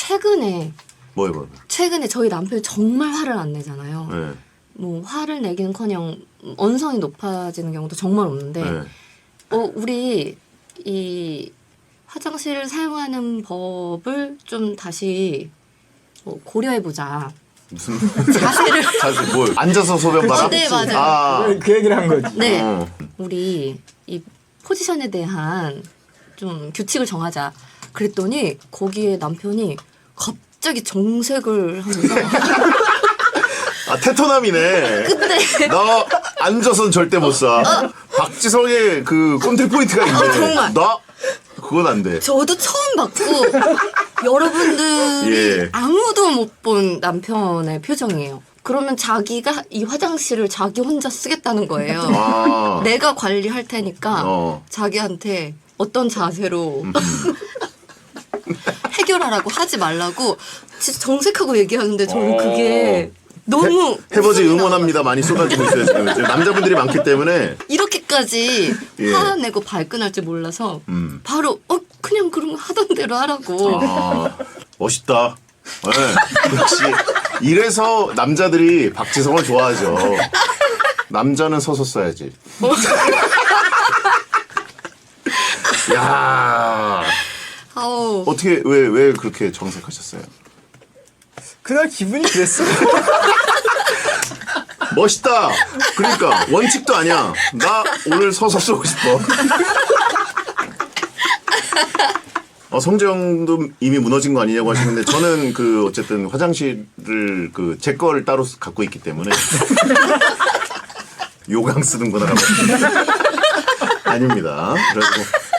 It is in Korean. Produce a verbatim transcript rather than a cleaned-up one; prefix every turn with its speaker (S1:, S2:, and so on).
S1: 최근에
S2: 뭐요, 뭐요?
S1: 최근에 저희 남편이 정말 화를 안 내잖아요.
S2: 네.
S1: 뭐 화를 내기는커녕 언성이 높아지는 경우도 정말 없는데
S2: 네.
S1: 어 우리 이 화장실을 사용하는 법을 좀 다시 뭐 고려해보자.
S2: 무슨
S1: 자세를
S2: 자세 뭘 앉아서 소변 봐라?
S1: 어, 네, 맞아요.
S2: 아,
S3: 그, 그 얘기를 한 거지.
S1: 네,
S2: 어.
S1: 우리 이 포지션에 대한 좀 규칙을 정하자. 그랬더니 거기에 남편이 갑자기 정색을 하면서
S2: 아, 테토남이네.
S1: 근데
S2: 나 앉아선 절대 못 사. 박지성의 그 꼰대 포인트가 있네.
S1: 어, 정말.
S2: 나 그건 안 돼.
S1: 저도 처음 봤고 여러분들이
S2: 예.
S1: 아무도 못 본 남편의 표정이에요. 그러면 자기가 이 화장실을 자기 혼자 쓰겠다는 거예요.
S2: 아.
S1: 내가 관리할 테니까
S2: 어.
S1: 자기한테 어떤 자세로 해결하라고 하지 말라고 진짜 정색하고 얘기하는데 저는 그게 너무
S2: 해버지
S1: 웃음이
S2: 응원합니다. 많이 쏟아지고 있어요 지금. 지금 남자분들이 많기 때문에.
S1: 이렇게까지
S2: 예.
S1: 화내고 발끈할 줄 몰라서
S2: 음.
S1: 바로 어 그냥 그럼 하던 대로 하라고.
S2: 아, 멋있다. 네. 역시 이래서 남자들이 박지성을 좋아하죠. 남자는 서서 써야지. 야,
S1: 아우.
S2: 어떻게 왜 왜 그렇게 정색하셨어요?
S3: 그날 기분이 그랬어.
S2: 멋있다. 그러니까 원칙도 아니야. 나 오늘 서서 쏘고 싶어. 어, 성재형도 이미 무너진 거 아니냐고 하시는데 저는 그 어쨌든 화장실을 그 제 거를 따로 갖고 있기 때문에 요강 쓰는구나라고. 아닙니다. 그래서